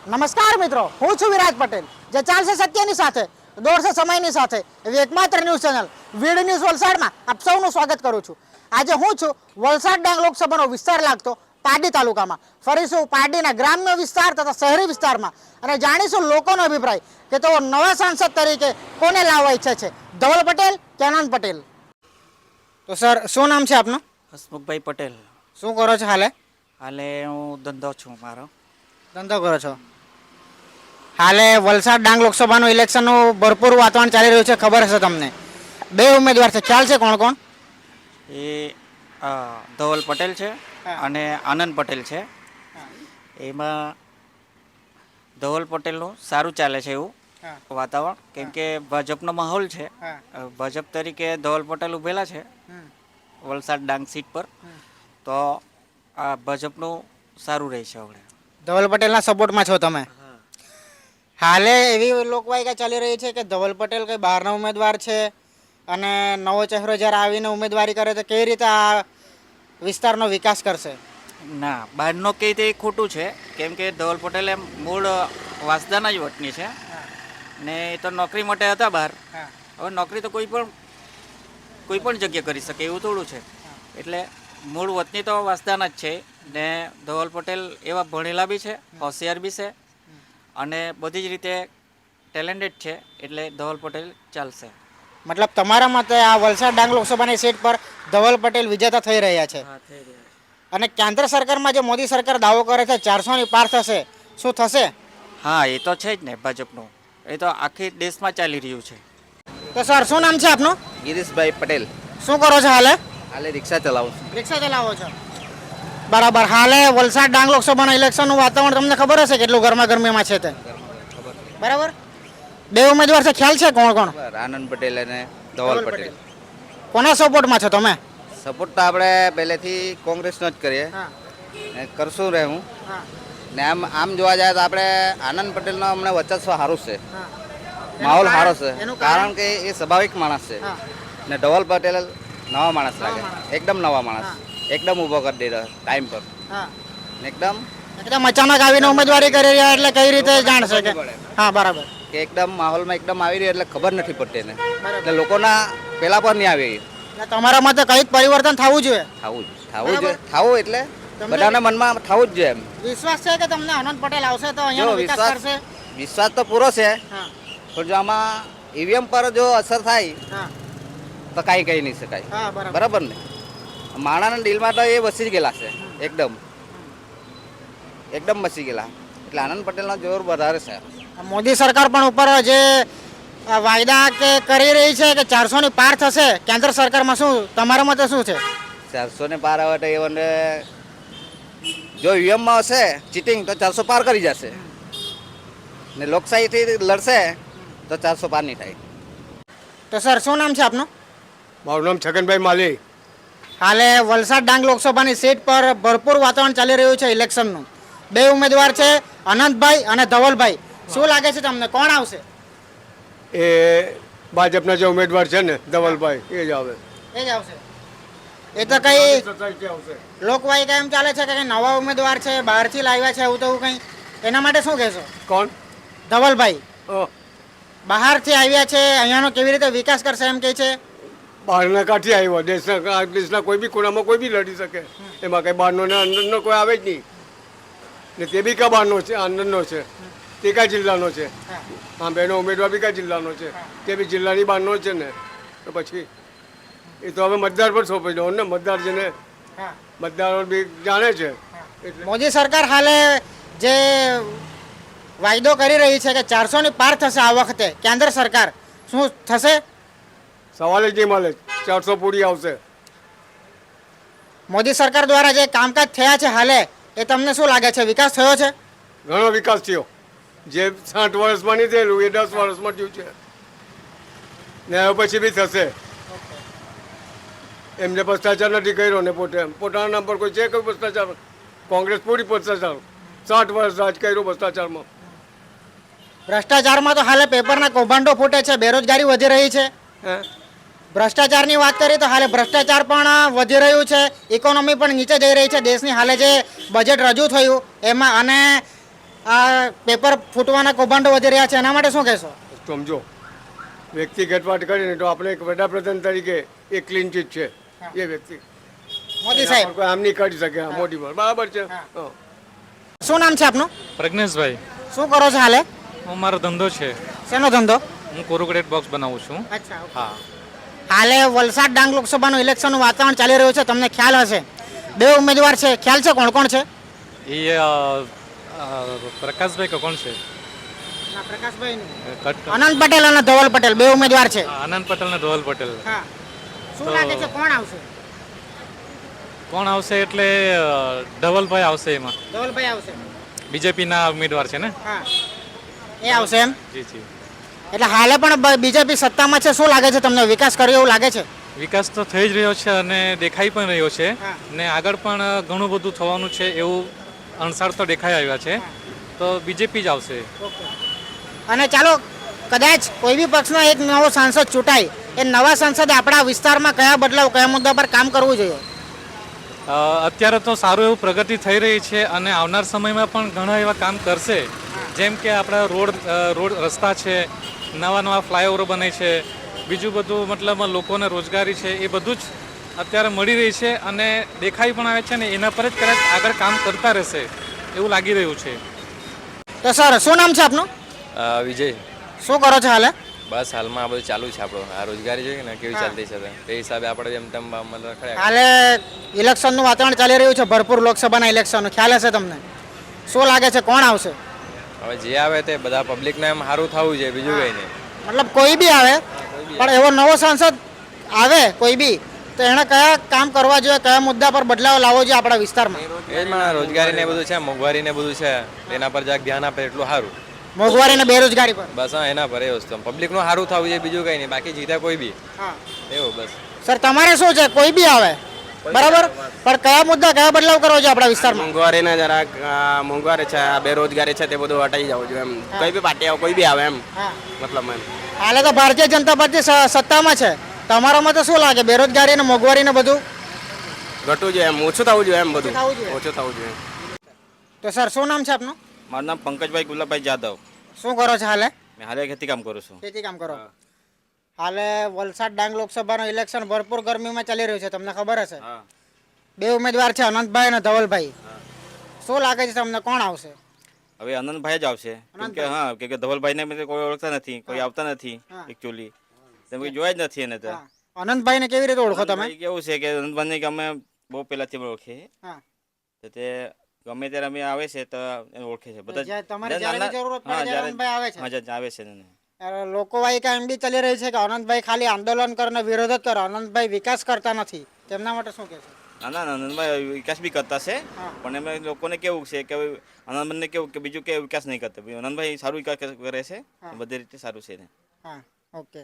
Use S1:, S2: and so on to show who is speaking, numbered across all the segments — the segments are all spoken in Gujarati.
S1: નમસ્કાર મિત્રો, હું છું વિરાજ પટેલ. જે ચાલશે સત્યની સાથે, દોડશે સમયની સાથે એવી એકમાત્ર ન્યૂઝ ચેનલ વીડ ન્યૂઝ વલસાડમાં આપ સૌનું સ્વાગત કરું છું. આજે હું છું વલસાડ ડાંગ લોકસભાનો વિસ્તાર લાગતો પારડી તાલુકામાં. ફરીશું પારડીના ગ્રામ્ય વિસ્તાર તથા શહેરી વિસ્તારમાં અને જાણીશું લોકોનો અભિપ્રાય કે તેઓ નવા સાંસદ તરીકે કોને લાવવા ઈચ્છે છે, ધવલ પટેલ કે આનંદ પટેલ. તો સર, શું નામ છે આપનું?
S2: હસમુખભાઈ પટેલ.
S1: શું કરો છો હાલે?
S2: હાલે હું ધંધો છું મારો.
S1: ધંધો કરો છો? હાલે વલસાડ ડાંગ લોકસભાનું ઇલેક્શનનું ભરપૂર વાતાવરણ ચાલી રહ્યું છે, ખબર હશે તમને. બે ઉમેદવાર છે, ખ્યાલ છે કોણ કોણ?
S2: એ ધવલ પટેલ છે અને આનંદ પટેલ છે. એમાં ધવલ પટેલનું સારું ચાલે છે એવું વાતાવરણ, કેમ કે ભાજપનો માહોલ છે. ભાજપ તરીકે ધવલ પટેલ ઉભેલા છે વલસાડ ડાંગ સીટ પર, તો આ ભાજપનું સારું રહેશે. હવે
S1: ધવલ પટેલના સપોર્ટમાં છો તમે? હાલે એવી લોકવાયકા ચાલી રહી છે કે ધવલ પટેલ કંઈ બહારના ઉમેદવાર છે અને નવો ચહેરો જ્યારે આવીને ઉમેદવારી કરે તો કેવી રીતે આ વિસ્તારનો વિકાસ કરશે?
S2: ના, બહારનો કહે તે ખોટું છે, કેમ કે ધવલ પટેલ એમ મૂળ વાસદાના જ વતની છે ને એ તો નોકરી માટે હતા બહાર. હવે નોકરી તો કોઈ પણ જગ્યાએ કરી શકે એવું થોડું છે. એટલે મૂળ વતની તો વાસદાના જ છે ને ધવલ પટેલ એવા ભણેલા બી છે, હોશિયાર બી છે અને બધી જ રીતે ટેલેન્ટેડ છે, એટલે ધવલ પટેલ ચાલશે.
S1: મતલબ તમારા મતે આ વલસાડ ડાંગ લોકસભાની સીટ પર ધવલ પટેલ વિજેતા થઈ રહ્યા છે. અને કેન્દ્ર સરકારમાં જે મોદી સરકાર દાવો કરે છે 400ની પાર થશે, શું થશે?
S2: હા, એ તો છે જ ને ભાજપનું. એ તો આખી દેશમાં ચાલી રહ્યું છે.
S1: તો સર, શું નામ છે આપનું?
S3: ગિરીશભાઈ પટેલ.
S1: શું કરો છો હાલે?
S3: હાલે રિક્ષા ચલાવું છું.
S1: રિક્ષા ચલાવો છો, બરાબર. હાલે વલસાડ ડાંગ લોકસભાના ઇલેક્શનનું વાતાવરણ તમને ખબર હશે કેટલું ગરમા ગરમીમાં છે તે, બરાબર. બે ઉમેદવાર છે, ખ્યાલ છે કોણ કોણ?
S3: આનંદ પટેલ અને ધવલ પટેલ.
S1: કોના સપોર્ટમાં છો તમે?
S3: સપોર્ટ તો આપણે પહેલેથી કોંગ્રેસનો જ કરીએ ને કરશું રહેવું. ને આમ જોવા જાય તો આપણે આનંદ પટેલનો હમણાં વર્ચસ્વ સારું છે, માહોલ સારો છે, કારણ કે એ સ્વાભાવિક માણસ છે ને ધવલ પટેલ નવા માણસ લાગે, એકદમ નવા માણસ, એકદમ ઊભો કરી દે ટાઈમ પર, એકદમ
S1: અચાનક આવીને ઉમેદવારી કરી રહ્યા એટલે કઈ રીતે જાણશે કે? હા, બરાબર.
S3: કે એકદમ માહોલમાં એકદમ આવી રહ્યો એટલે ખબર નથી પડતી એને, એટલે લોકોના પેલા પર નહીં આવી.
S1: તમારા મતે કઈ પરિવર્તન થવું જોઈએ?
S3: થવું એટલે બધાના મનમાં થવું જ જોઈએ. એમ
S1: વિશ્વાસ છે કે તમને આનંદ પટેલ આવશે તો અહીંયા વિકાસ કરશે?
S3: વિશ્વાસ તો પૂરો છે, પણ જો આમાં ઈવીએમ પર જો અસર થાય તો કાંઈ કહી નહીં શકાય, બરાબર ને. માણાના ડીલમાં તો એ વસી ગયેલા છે, એકદમ વસી ગયેલા, એટલે આનંદ પટેલનો જોર વધારે છે.
S1: મોદી સરકાર પણ ઉપર જે વાયદા કે કરી રહી છે કે 400ની પાર થશે કેન્દ્ર સરકારમાં, શું તમારા મતે શું છે?
S3: 400ને પાર આવે તો એમને જો ઈવીએમમાં હશે ચીટિંગ તો 400 પાર કરી જશે ને લોકશાહીથી લડશે તો 400 પાર નહીં થાય.
S1: તો સર, શું નામ છે આપનું?
S4: મારું નામ છગનભાઈ માલી.
S1: હાલે વલસાડ ડાંગ લોકસભાની સીટ પર ભરપૂર વાતાવરણ ચાલી રહ્યું છે ઇલેક્શનનું. બે ઉમેદવાર છે, અનંતભાઈ અને ધવલભાઈ. શું લાગે છે તમને, કોણ આવશે?
S4: એ ભાજપના જે ઉમેદવાર છે ને ધવલભાઈ, એ જ આવે.
S1: એ જ આવશે. એ તો કઈ લોકવાયકા એમ ચાલે છે કે કઈ નવા ઉમેદવાર છે, બહારથી લાવ્યા છે એવું તો કંઈ, એના માટે શું કહેશો?
S4: કોણ?
S1: ધવલભાઈ બહારથી આવ્યા છે, અહીંયાનો કેવી રીતે વિકાસ કરશે એમ કહે છે.
S4: બહારના કાંઠી આવ્યો, દેશના કોઈ બી ખૂણામાં કોઈ બી લડી શકે, એમાં કંઈ બહારનો ને અંદરનો કોઈ આવે જ નહીં. ને તે બી કા બહારનો છે, અંદરનો છે, તે કયા જિલ્લાનો છે? હા, બેનો ઉમેદવાર બી કયા જિલ્લાનો છે? તે બી જિલ્લાની બહારનો છે ને. તો પછી એ તો હવે મતદાર પર સોંપી દો ને, મતદાર જેને મતદારો બી જાણે છે.
S1: મોદી સરકાર હાલે જે વાયદો કરી રહી છે કે 400ની પાર થશે આ વખતે કેન્દ્ર સરકાર, શું થશે?
S4: સવાલ જ નહીં મળે, 400 પૂરી આવશે.
S1: મોદી સરકાર દ્વારા જે કામકાજ થયા છે હાલે, એ તમને શું લાગે છે, વિકાસ થયો છે?
S4: ઘણો વિકાસ થયો. જે 60 વર્ષમાં નહીં થયેલું એ 10 વર્ષમાં થયું છે ને હવે પછી બી થશે. એમને ભ્રષ્ટાચાર નથી કર્યો ને પોતાના નામ પર કોઈ છે કોઈ ભ્રષ્ટાચાર? કોંગ્રેસ પૂરી ભ્રષ્ટાચાર, 60 વર્ષ રાજ કર્યું ભ્રષ્ટાચારમાં.
S1: ભ્રષ્ટાચારમાં તો હાલે પેપરના કૌભાંડો ફૂટે છે, બેરોજગારી વધી રહી છે. ભ્રષ્ટાચારની વાત કરીએ તો હાલે ભ્રષ્ટાચાર પણ વધી રહ્યું છે, ઇકોનોમી પણ નીચે જઈ રહી છે દેશની. હાલે જે બજેટ રજૂ થયું એમાં અને આ પેપર ફૂટવાના કૌભાંડો વધી રહ્યા છે એના માટે શું કહેશો?
S4: સમજો વ્યક્તિગત વાત કરીને તો આપણે એક વડાપ્રધાન તરીકે એ ક્લીન ચીટ છે એ વ્યક્તિ
S1: મોદી સાહેબ
S4: કોઈ આમ નહીં કરી શકે હા, મોદી પર બરાબર છે હા.
S1: શું નામ છે આપનું?
S5: પ્રજ્ઞેશભાઈ,
S1: શું કરો છો હાલે?
S5: હું મારો ધંધો છે.
S1: શેનો ધંધો?
S5: હું કોરુગેટેડ બોક્સ બનાવું છું.
S1: અચ્છા
S5: હા.
S1: હાલે વલસાડ ડાંગ લોકસભાનું ઇલેક્શનનું વાતાવરણ ચાલી રહ્યું છે, તમને ખ્યાલ હશે. બે ઉમેદવાર છે, ખ્યાલ છે કોણ કોણ છે?
S5: એ પ્રકાશભાઈ કે કોણ છે?
S1: પ્રકાશભાઈ
S5: કટ
S1: અનંત પટેલ અને ધવલ પટેલ બે ઉમેદવાર છે.
S5: આનંદ પટેલ ને ધવલ પટેલ.
S1: હા શું
S5: તો-
S1: લાગે છે કોણ આવશે?
S5: કોણ આવશે એટલે ધવલભાઈ આવશે એમાં.
S1: ધવલભાઈ આવશે.
S5: બીજેપીના ઉમેદવાર છે ને?
S1: હા એ આવશે એમ.
S5: જી જી.
S1: એટલે હાલે પણ બીજેપી સત્તામાં છે, શું લાગે છે તમને? વિકાસ કર્યો એવું લાગે છે?
S5: વિકાસ તો થઈ જ રહ્યો છે અને દેખાઈ પણ રહ્યો છે
S1: હા.
S5: ને આગળ પણ ઘણું બધું થવાનું છે એવું અણસાર તો દેખાઈ આવ્યા છે. તો બીજેપી જ આવશે.
S1: અને ચાલો કદાચ કોઈ બી પક્ષનો એક નવો સાંસદ ચૂંટાય, એ નવા સાંસદે આપણા વિસ્તારમાં કયા બદલાવ, કયા મુદ્દા પર કામ કરવું જોઈએ?
S5: અત્યારે તો સારું એવું પ્રગતિ થઈ રહી છે અને આવનાર સમયમાં પણ ઘણા એવા કામ કરશે. જેમ કે આપણા રોડ રસ્તા છે, નવા ફ્લાયઓવર બને છે, બીજું બધું મતલબ લોકોને રોજગારી છે, એ બધું જ અત્યારે મળી રહી છે અને દેખાઈ પણ આવે છે ને એના પર જ કદાચ આગળ કામ કરતા રહેશે એવું લાગી રહ્યું છે.
S1: તો સર શું નામ છે આપનું?
S6: વિજય,
S1: શું કરો છો હાલે?
S6: બસ હાલમાં આ બધું ચાલુ છે આપણું. આ રોજગારી જોઈએ ને કેવી ચાલતી છે તે હિસાબે આપણે એમ તેમ મતલબ રખડ્યા.
S1: હાલે ઇલેક્શનનું વાતાવરણ ચાલી રહ્યું છે, ભરપૂર લોકસભાના ઇલેક્શનનું, ખ્યાલ હશે તમને. શું લાગે છે કોણ આવશે?
S6: હવે જે આવે તે બધા પબ્લિકને એમ સારું થવું જોઈએ, બીજું કંઈ નહીં.
S1: મતલબ કોઈ બી આવે પણ એવો નવો સાંસદ આવે કોઈ બી તો એણે કયા કામ કરવા જોઈએ, કયા મુદ્દા પર બદલાવ લાવવો જોઈએ આપણા વિસ્તારમાં?
S6: એ જ માં રોજગારી ને બધું છે, મોંઘવારી ને બધું છે, એના પર જરાક ધ્યાન આપે એટલું સારું.
S1: મોંઘવારી અને બેરોજગારી પર.
S6: બસ હા, એના પર એ વસ્તુ પબ્લિકનું સારું થવું જોઈએ, બીજું કંઈ નહીં. બાકી જીતે કોઈ બી
S1: હા
S6: એવું બસ.
S1: સર તમારે શું છે? કોઈ બી આવે બરાબર, પણ કયા મુદ્દા, કયા બદલાવ કરવો જોઈએ આપણા વિસ્તારમાં?
S7: મોંઘવારીને જરાક મોંઘવારી છે, આ બેરોજગારી છે તે બધું હટાઈ જવું જોઈએ એમ. કોઈ બી પાર્ટી આવે, કોઈ બી આવે એમ
S1: હા
S7: મતલબ એમ.
S1: હાલે તો ભારતીય જનતા પાર્ટી સત્તામાં છે, તમારામાં તો શું લાગે? બેરોજગારી અને મોંઘવારી ને બધું
S7: ઘટવું જોઈએ એમ, ઓછું થવું જોઈએ એમ બધું,
S1: ઓછું થવું જોઈએ.
S7: ઓછું થવું જોઈએ.
S1: તો સર શું નામ છે આપનું?
S2: મારું નામ પંકજભાઈ ગુલાબભાઈ જાદવ.
S1: શું કરો છો હાલે?
S2: મેં હાલે ખેતી કામ કરું છું.
S1: ખેતી કામ કરો. હાલે વલસાડ ડાંગ લોકસભાનું ઇલેક્શન ભરપૂર ગરમીમાં ચાલી રહ્યું છે, તમને ખબર હશે.
S2: હા.
S1: બે ઉમેદવાર છે, અનંતભાઈ અને ધવલભાઈ. શું લાગે છે તમને કોણ આવશે?
S2: હવે આનંદભાઈ જ આવશે કેમ કે હા કેમ કે ધવલભાઈને મેં કોઈ ઓળખતા નથી, કોઈ આવતા નથી
S1: હા.
S2: એકચ્યુઅલી તમે કોઈ જોયા જ નથી એને તો.
S1: હા. અનંતભાઈને કેવી રીતે ઓળખો તમે?
S2: આનંદભાઈ કેવું છે કે આનંદભાઈને કે અમે બહુ પહેલાથી ઓળખીએ
S1: હા.
S2: તો તે ગમે ત્યારે અમે આવે છે તો એને ઓળખે છે બધા
S1: જ્યાં તમારે જ્યારે બી જરૂરત પડે ત્યારે અનંતભાઈ આવે છે.
S2: હા જ્યારે આવે છે એને.
S1: લોકો વાયકા એમ બી ચાલી રહી છે કે અનંતભાઈ ખાલી આંદોલન કરીને વિરોધ જ કરે, અનંતભાઈ વિકાસ કરતા નથી, તેમના માટે શું કહેશો?
S2: ના આનંદભાઈ વિકાસ બી કરતા છે
S1: હા.
S2: પણ એમ લોકોને કેવું છે કે આનંદભાઈને કેવું કે બીજું કે વિકાસ નહીં કરતા. આનંદભાઈ સારું વિકાસ કરે છે,
S1: હા.
S2: બધી રીતે સારું છે એને.
S1: હા ઓકે.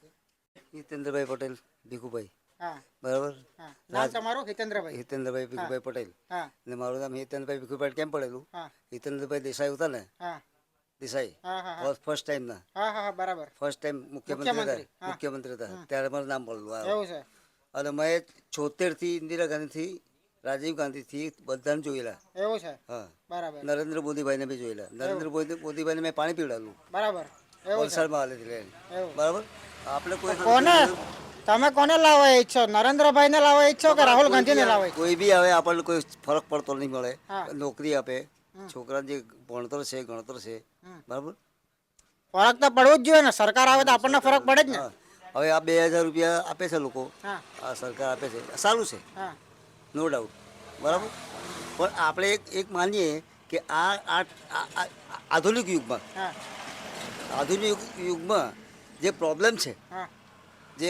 S8: હિતેન્દ્રભાઈ પટેલ ભીખુભાઈ,
S1: હા
S8: બરાબર.
S1: હા નામ તમારું? હિતેન્દ્રભાઈ.
S8: હિતેન્દ્રભાઈ ભીખુભાઈ પટેલ
S1: હા
S8: ને મારું નામ હિતેન્દ્રભાઈ ભીખુભાઈ કેમ પડેલું?
S1: હા
S8: હિતેન્દ્રભાઈ દેસાઈ હતા ને,
S1: હા
S8: દેસાઈ
S1: હા હા
S8: ફર્સ્ટ ટાઈમ ના
S1: હા હા બરાબર.
S8: ફર્સ્ટ ટાઈમ મુખ્યમંત્રી
S1: મુખ્યમંત્રી,
S8: હતા,
S1: હા.
S8: મુખ્યમંત્રી હતા ત્યારે મારું નામ પડેલું આ.
S1: એવું છે.
S8: અને મેં 76 થી ઇન્દિરા ગાંધીથી રાજીવ ગાંધીથી બધાને જોયેલા.
S1: એવું છે.
S8: હા,
S1: બરાબર
S8: નરેન્દ્ર મોદીભાઈને બી જોયેલા. નરેન્દ્ર મોદીભાઈને મેં પાણી પીવડાવેલું
S1: બરાબર. એવું છે.
S8: વલસાડમાં હાલેથી લઈને,
S1: એવું.
S8: બરાબર. આપણે કોઈ
S1: કોને તમે કોને લાવવા ઈચ્છો? નરેન્દ્રભાઈને લાવવા ઈચ્છો કે રાહુલ ગાંધીને લાવવા ઈચ્છો?
S8: કોઈ બી આવે આપણને કોઈ ફરક પડતો નહીં મળે.
S1: હા.
S8: નોકરી આપે, છોકરાને જે ભણતર છે ગણતર છે, બરાબર.
S1: ફરક તો પડવું જ જોઈએ ને, સરકાર આવે તો આપણને ફરક પડે જ ને.
S8: હા. હવે આ 2000 રૂપિયા આપે છે લોકો,
S1: હા
S8: આ સરકાર આપે છે, સારું છે,
S1: હા
S8: નો ડાઉટ, બરાબર. પણ આપણે એક માનીએ કે આ આધુનિક યુગમાં,
S1: હા
S8: આધુનિક યુગમાં જે પ્રોબ્લેમ છે,
S1: હા
S8: જે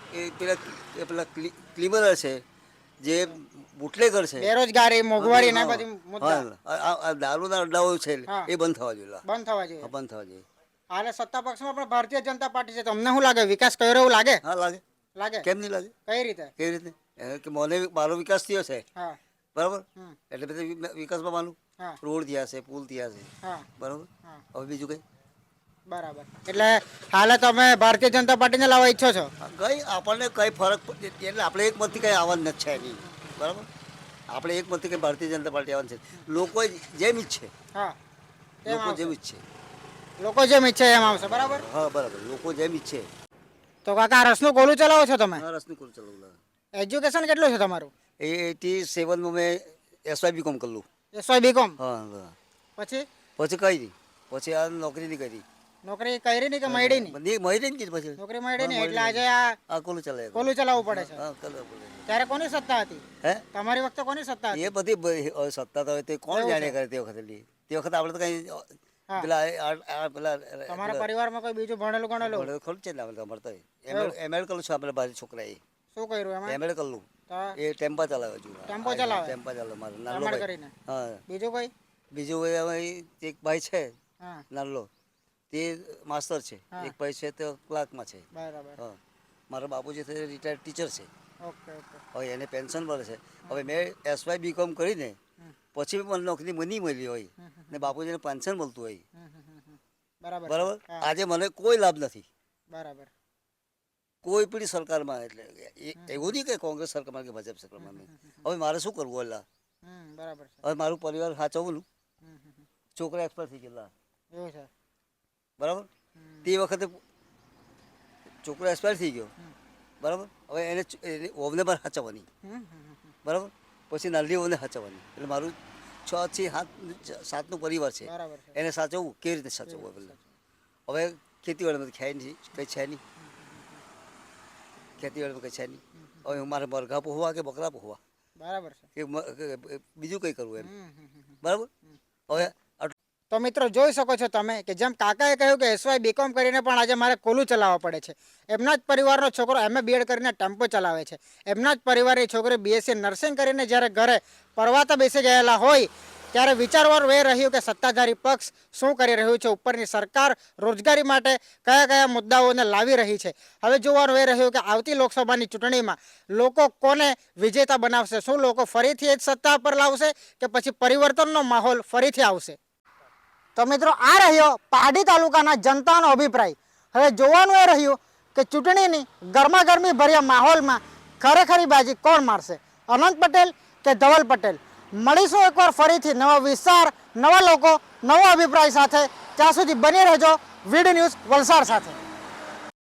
S8: પેલા ક્લિમરર છે, જે બુટલેગર છે,
S1: બેરોજગારી, મોંઘવારી ને
S8: હા,
S1: બધી મુદ્દા
S8: હા, આ દારૂના અડ્ડાઓ છે
S1: હા.
S8: એ બંધ થવા જોઈએ.
S1: બંધ થવા જોઈએ.
S8: હા, બંધ થવા જોઈએ.
S1: હાલે સત્તા પક્ષમાં પણ ભારતીય જનતા પાર્ટી છે, તમને શું લાગે? વિકાસ કર્યો એવું લાગે?
S8: હા, લાગે.
S1: લાગે.
S8: કેમ નહીં લાગે?
S1: કઈ રીતે?
S8: કેવી રીતે? કે મારો વિકાસ થયો છે,
S1: હા
S8: બરાબર.
S1: હમ.
S8: એટલે બધા વિકાસમાં માનું,
S1: હા
S8: રોડ થયા છે, પુલ થયા છે,
S1: હા
S8: બરાબર.
S1: હા
S8: હવે બીજું કઈ?
S1: બરાબર. એટલે હાલે તમે ભારતીય જનતા પાર્ટીને લાવવા ઈચ્છો છો?
S8: કઈ આપણને કઈ ફરક એટલે આપણે એક મતથી કઈ આવવાનું નથી છે નહીં, બરાબર. આપણે એક મતથી કઈ ભારતીય જનતા પાર્ટી આવવાની છે. લોકો જેમ ઈચ્છે
S1: હા તેમ
S8: લોકો
S1: આવશે.
S8: જેમ ઈચ્છે.
S1: લોકો જેમ ઈચ્છે એમ આવશે, બરાબર.
S8: હા બરાબર, લોકો જેમ ઈચ્છે.
S1: તો કાકા આ રસનું કોલું ચલાવો છો તમે?
S8: હા, રસનું કોલ ચલાવું.
S1: એજ્યુકેશન કેટલું છે તમારું?
S8: 87માં મેં SY.BCom કરેલું.
S1: SY BCom.
S8: હા હા.
S1: પછી
S8: પછી કઈ નહીં, પછી આ નોકરી નહીં કરી.
S1: નોકરી કરી નહીં કે મળી નહીં?
S8: મળી નહીં કીધું પછી.
S1: નોકરી મળી નહીં
S8: હા,
S1: એટલે આજે આ
S8: આ કોલું ચલાવે.
S1: કોલું ચલાવવું પડે છે.
S8: હા, ચલાવવું પડે.
S1: ત્યારે કોની સત્તા હતી?
S8: હે?
S1: તમારી વખતે કોની સત્તા હતી?
S8: એ બધી સત્તા તો હવે તે કોણ
S1: એવું
S8: જાણે
S1: છે?
S8: કરે તે વખતે તે વખતે આપણે તો કઈ
S1: હા.
S8: પેલા પેલા
S1: તમારા પરિવારમાં કોઈ બીજું ભણેલું ગણેલું
S8: ખરું છે ને આપણે અમારે તો એમએડ કરેલું છે આપણે બાજુ છોકરાએ
S1: શું કર્યું એમાં?
S8: એમએડ કરેલું.
S1: તો
S8: એ ટેમ્પા ચલાવે હજુ.
S1: ટેમ્પો ચલાવે?
S8: ટેમ્પા ચલાવે મારે નાનો
S1: રમણ
S8: ભાઈ.
S1: કરીને.
S8: હા.
S1: બીજું કોઈ?
S8: બીજું હવે એક ભાઈ છે
S1: હા,
S8: નાનો, તે માસ્ટર છે.
S1: હા.
S8: એક ભાઈ છે તે ક્લાર્કમાં છે.
S1: બરાબર.
S8: હા. મારા બાપુજી છે રિટાયર્ડ ટીચર છે.
S1: Okay okay.
S8: હવે એને પેન્શન મળે છે. હવે મેં SY.BCom કરીને પછી મને નોકરી નહીં મળી હોય ને બાપુજીને પેન્શન મળતું હોય,
S1: બરાબર.
S8: બરાબર,
S1: હા,
S8: આજે મને કોઈ લાભ નથી
S1: બરાબર.
S8: કોઈ પણ સરકારમાં. એટલે એવું નહીં કે કોંગ્રેસ સરકારમાં કે ભાજપ સરકારમાં નહીં. હવે મારે શું કરવું? અલ્લા,
S1: બરાબર છે.
S8: હવે મારું પરિવાર સાચવવું. છોકરા એક્સપર્ટ થઈ ગયેલા,
S1: એવું છે.
S8: બરાબર. તે વખતે છોકરો એક્સપાયર થઈ ગયો, બરાબર. હવે એને ઓવને પણ સાચવવાની, બરાબર. પછી નાની ઓવને સાચવવાની. એટલે મારું 6 થી 7નું પરિવાર છે.
S1: બરાબર છે.
S8: એને સાચવવું કેવી રીતે સાચવવું? પેલા હવે ખેતીવાડીમાં ખાય નહીં, કંઈ છે નહીં. ખેતીવાડીમાં કંઈ છે નહીં. હવે મારે મરઘા પોહવા કે બકરા પોહવા
S1: બરાબર છે.
S8: કે બીજું કંઈ કરવું એમ, બરાબર. હવે
S1: તો મિત્રો જોઈ શકો છો તમે કે જેમ કાકાએ કહ્યું કે SY.BCom કરીને પણ આજે મારે કોલું ચલાવવા પડે છે. એમના જ પરિવારનો છોકરો MA BEd કરીને ટેમ્પો ચલાવે છે. એમના જ પરિવારની છોકરી BSc નર્સિંગ કરીને જ્યારે ઘરે પરવાતા બેસી ગયેલા હોય ત્યારે વિચારવાનું એ રહ્યું કે સત્તાધારી પક્ષ શું કરી રહ્યું છે, ઉપરની સરકાર રોજગારી માટે કયા કયા મુદ્દાઓને લાવી રહી છે. હવે જોવાનું એ રહ્યું કે આવતી લોકસભાની ચૂંટણીમાં લોકો કોને વિજેતા બનાવશે. શું લોકો ફરીથી જ સત્તા પર લાવશે કે પછી પરિવર્તનનો માહોલ ફરીથી આવશે? તો મિત્રો આ રહ્યો પારડી તાલુકાના જનતાનો અભિપ્રાય. હવે જોવાનું એ રહ્યું કે ચૂંટણીની ગરમાગરમી ભર્યા માહોલમાં ખરેખરી બાજી કોણ મારશે, અનંત પટેલ કે ધવલ પટેલ? મળીશું એકવાર ફરીથી નવા વિસ્તાર, નવા લોકો, નવો અભિપ્રાય સાથે. ત્યાં સુધી બની રહેજો વીડ ન્યૂઝ વલસાડ સાથે.